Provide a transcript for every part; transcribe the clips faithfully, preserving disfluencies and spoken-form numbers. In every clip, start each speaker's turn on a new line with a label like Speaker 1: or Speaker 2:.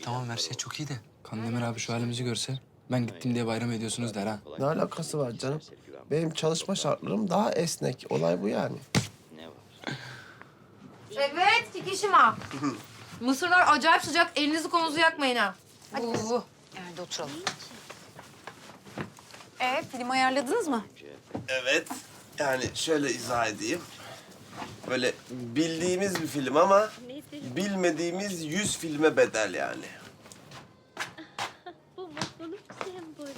Speaker 1: tamam her şey çok iyi de. Kandemir abi şu halimizi görse ben gittim diye bayram ediyorsunuz der ha.
Speaker 2: Ne alakası var canım? Benim çalışma şartlarım daha esnek. Olay bu yani.
Speaker 3: Evet, Kikişima. Mısırlar acayip sıcak. Elinizi kolunuzu yakmayın ha. Hadi kız.
Speaker 4: Yerde oturalım. Ee, film ayarladınız mı?
Speaker 2: Evet. Yani şöyle izah edeyim. Böyle bildiğimiz bir film ama bilmediğimiz yüz filme bedel yani.
Speaker 5: Bu mutluluk sembolü.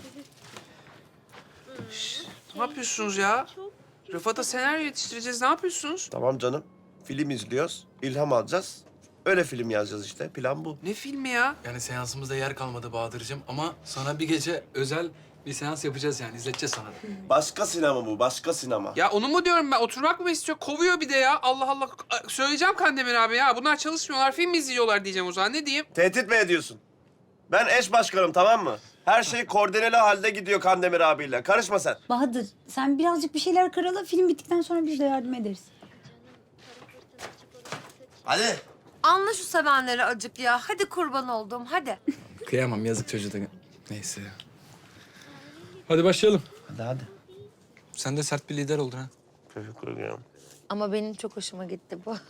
Speaker 6: Ne yapıyorsunuz ya? Rıfat'a senaryo yetiştireceğiz. Ne yapıyorsunuz?
Speaker 2: Tamam canım. Film izliyoruz, ilham alacağız. Öyle film yazacağız işte. Plan bu.
Speaker 6: Ne filmi ya?
Speaker 1: Yani seansımızda yer kalmadı Bahadır'cığım ama sana bir gece özel bir seans yapacağız yani izleteceğiz sana.
Speaker 2: Başka sinema bu, başka sinema.
Speaker 6: Ya onu mu diyorum ben? Oturmak mı istiyor? Kovuyor bir de ya. Allah Allah. Söyleyeceğim Kandemir abi ya. Bunlar çalışmıyorlar, film izliyorlar diyeceğim o zaman. Ne diyeyim?
Speaker 2: Tehdit mi ediyorsun? Ben eş başkanım, tamam mı? Her şey koordineli halde gidiyor Kandemir abiyle. Karışma sen.
Speaker 7: Bahadır, sen birazcık bir şeyler karala. Film bittikten sonra biz de yardım ederiz.
Speaker 2: Hadi.
Speaker 3: Anla şu sevenleri acık ya. Hadi kurban oldum, hadi.
Speaker 1: Kıyamam yazık çocuğa da. Neyse. Hadi başlayalım.
Speaker 2: Hadi hadi.
Speaker 1: Sen de sert bir lider oldun ha.
Speaker 2: Teşekkür ederim.
Speaker 3: Ama benim çok hoşuma gitti bu.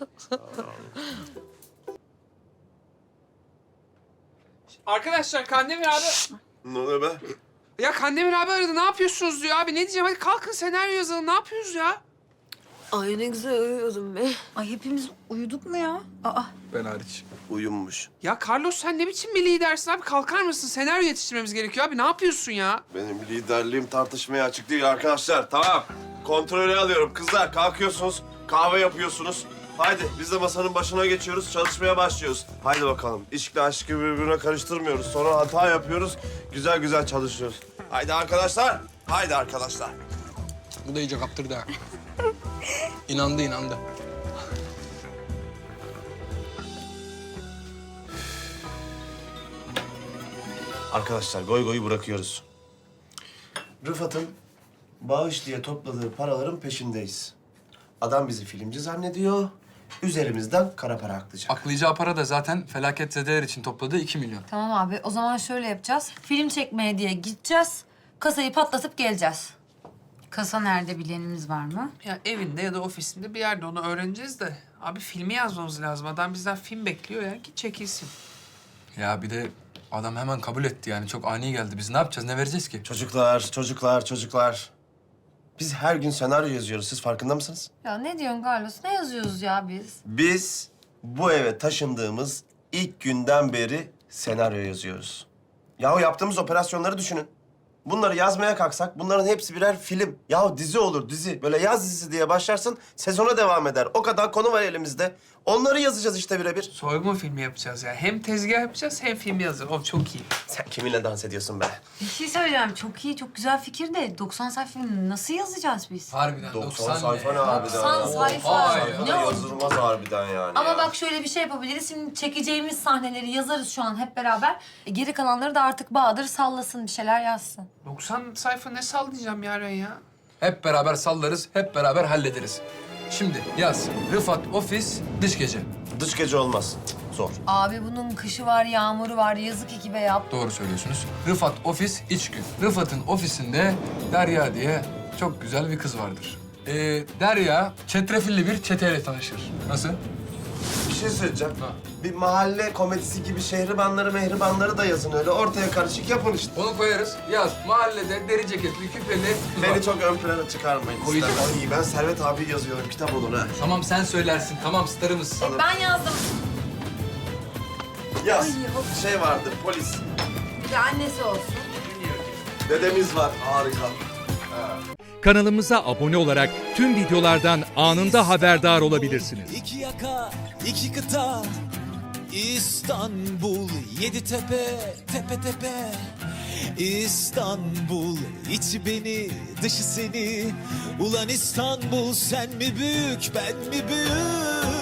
Speaker 6: Arkadaşlar Kandemir abi...
Speaker 2: Ne oluyor be?
Speaker 6: Ya Kandemir abi aradı. Ne yapıyorsunuz diyor abi. Ne diyeceğim? Hadi kalkın senaryo yazalım. Ne yapıyoruz ya?
Speaker 3: Ay ne güzel uyuyordum be.
Speaker 7: Ay hepimiz uyuduk mu ya? Aa,
Speaker 1: Ben hariç.
Speaker 2: Uyumuş.
Speaker 6: Ya Carlos sen ne biçim bir lidersin abi? Kalkar mısın? Senaryo yetiştirmemiz gerekiyor abi. Ne yapıyorsun ya?
Speaker 2: Benim liderliğim tartışmaya açık değil arkadaşlar. Tamam. Kontrolü alıyorum. Kızlar kalkıyorsunuz, kahve yapıyorsunuz. Haydi biz de masanın başına geçiyoruz, çalışmaya başlıyoruz. Haydi bakalım. İşle aşkı birbirine karıştırmıyoruz. Sonra hata yapıyoruz, güzel güzel çalışıyoruz. Haydi arkadaşlar, haydi arkadaşlar.
Speaker 1: Bu da iyice kaptırdı ha. İnandı inandı.
Speaker 2: Arkadaşlar goy goyu bırakıyoruz. Rıfat'ın bağış diye topladığı paraların peşindeyiz. Adam bizi filmci zannediyor, üzerimizden kara para aklayacak.
Speaker 1: Aklayacağı para da zaten felaket zedeler için topladığı iki milyon.
Speaker 3: Tamam abi, o zaman şöyle yapacağız. Film çekmeye diye gideceğiz. Kasayı patlatıp geleceğiz.
Speaker 7: kasa nerede bilenimiz var mı?
Speaker 6: Ya evinde ya da ofisinde bir yerde onu öğreneceğiz de. Abi filmi yazmamız lazım. Adam bizden film bekliyor ya. Git çekilsin.
Speaker 1: Ya bir de adam hemen kabul etti yani. Çok ani geldi. Biz ne yapacağız? Ne vereceğiz ki?
Speaker 2: Çocuklar, çocuklar, çocuklar. Biz her gün senaryo yazıyoruz. Siz farkında mısınız?
Speaker 3: Ya ne diyorsun Carlos? Ne yazıyoruz ya biz?
Speaker 2: Biz bu eve taşındığımız ilk günden beri senaryo yazıyoruz. Yahu yaptığımız operasyonları düşünün. Bunları yazmaya kalksak bunların hepsi birer film. Yahu dizi olur dizi. Böyle yaz dizisi diye başlarsın, sezona devam eder. O kadar konu var elimizde. Onları yazacağız işte birebir.
Speaker 6: Soygun filmi yapacağız ya. Hem tezgah yapacağız hem film yazacağız. O çok iyi.
Speaker 2: Sen kiminle dans ediyorsun be?
Speaker 7: Bir şey söyleyeceğim. Çok iyi, çok güzel fikir de doksan sayfa nasıl yazacağız biz?
Speaker 1: Harbiden
Speaker 2: doksan sayfa ne harbiden
Speaker 3: doksan
Speaker 2: ya?
Speaker 3: sayfa.
Speaker 1: Vay
Speaker 3: Ne oldu?
Speaker 2: Yazılmaz harbiden yani
Speaker 3: Ama
Speaker 2: ya.
Speaker 3: bak şöyle bir şey yapabiliriz. Şimdi çekeceğimiz sahneleri yazarız şu an hep beraber. E, geri kalanları da artık Bahadır sallasın, bir şeyler yazsın.
Speaker 6: doksan sayfa ne sallayacağım yarın ya?
Speaker 1: Hep beraber sallarız, hep beraber hallederiz. Şimdi yaz. Rıfat ofis, dış gece.
Speaker 2: Dış gece olmaz. Zor.
Speaker 3: Abi bunun kışı var, yağmuru var. Yazık ekibe yap.
Speaker 1: Doğru söylüyorsunuz. Rıfat ofis, iç gün. Rıfat'ın ofisinde Derya diye çok güzel bir kız vardır. Ee, Derya çetrefilli bir çeteyle tanışır. Nasıl?
Speaker 2: Bir şey söyleyeceğim.
Speaker 1: Ha.
Speaker 2: Bir mahalle komedisi gibi şehribanları mehribanları da yazın öyle. Ortaya karışık yapın işte.
Speaker 1: Onu koyarız. Yaz. Mahallede deri ceketli, küpeli kız var.
Speaker 2: Beni çok ön plana çıkarmayın.
Speaker 1: Koyacağım.
Speaker 2: ister. Ay, ben Servet abi yazıyorum. Kitap olur ha.
Speaker 1: Tamam sen söylersin. Tamam starımız.
Speaker 3: Ben yazdım.
Speaker 2: Yaz. Şey vardır, polis.
Speaker 3: Bir de annesi olsun.
Speaker 2: Dedemiz var. Harika.
Speaker 8: Kanalımıza abone olarak tüm videolardan anında haberdar olabilirsiniz.
Speaker 9: İki yaka, iki kıta, İstanbul, yedi tepe, tepe tepe. İstanbul, içi beni, dışı seni. Ulan İstanbul, sen mi büyük, ben mi büyük?